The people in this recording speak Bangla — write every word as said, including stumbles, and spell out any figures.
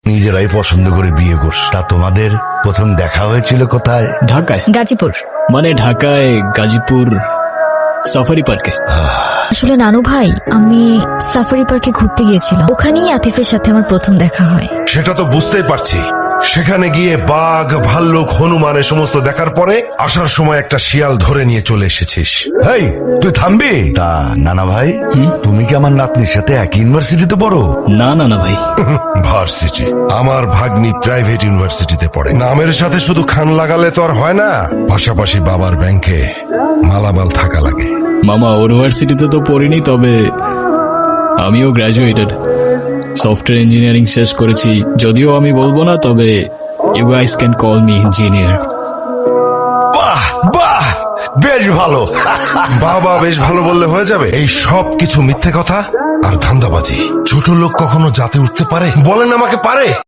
নিজেরাই পছন্দ করে বিয়ে করছে। তা তোমাদের প্রথম দেখা হয়েছিল কোথায়? ঢাকায়। গাজীপুর। মানে ঢাকায় গাজীপুর সাফারি পার্কে। আসলে নানু ভাই, আমি সাফারি পার্কে ঘুরতে গিয়েছিলাম, ওখানেই আতিফের সাথে আমার প্রথম দেখা হয়। সেটা তো বুঝতেই পারছি। সেখানে গিয়ে বাঘ, ভাল্লুক, হনুমান এ সমস্ত দেখার পরে আসার সময় একটা শিয়াল ধরে নিয়ে চলে এসেছিস। হেই, তুই থামবি? তা নানা ভাই, তুমি কি আমার নাতনির সাথে একই ইউনিভার্সিটিতে পড়ো? না না না ভাই, ভার্সিটি? আমার ভাগ্নি প্রাইভেট ইউনিভার্সিটিতে পড়ে। নামের সাথে শুধু খান লাগালে তো আর হয় না, পাশাপাশি বাবার ব্যাংকে মালামাল থাকা লাগে। মামা ইউনিভার্সিটিতে তো পড়িনি, তবে আমিও গ্র্যাজুয়েটেড, সফটওয়্যার ইঞ্জিনিয়ারিং শেষ করেছি। যদিও আমি বলবো না, তবে you guys can call me engineer. বাহ বাহ, বেশ ভালো। বাবা বেশ ভালো বললে হয়ে যাবে? এই সব কিছু মিথ্যে কথা আর ধান্দাবাজি। ছোট লোক কখনো জাতে উঠতে পারে? বলেন আমাকে পারে?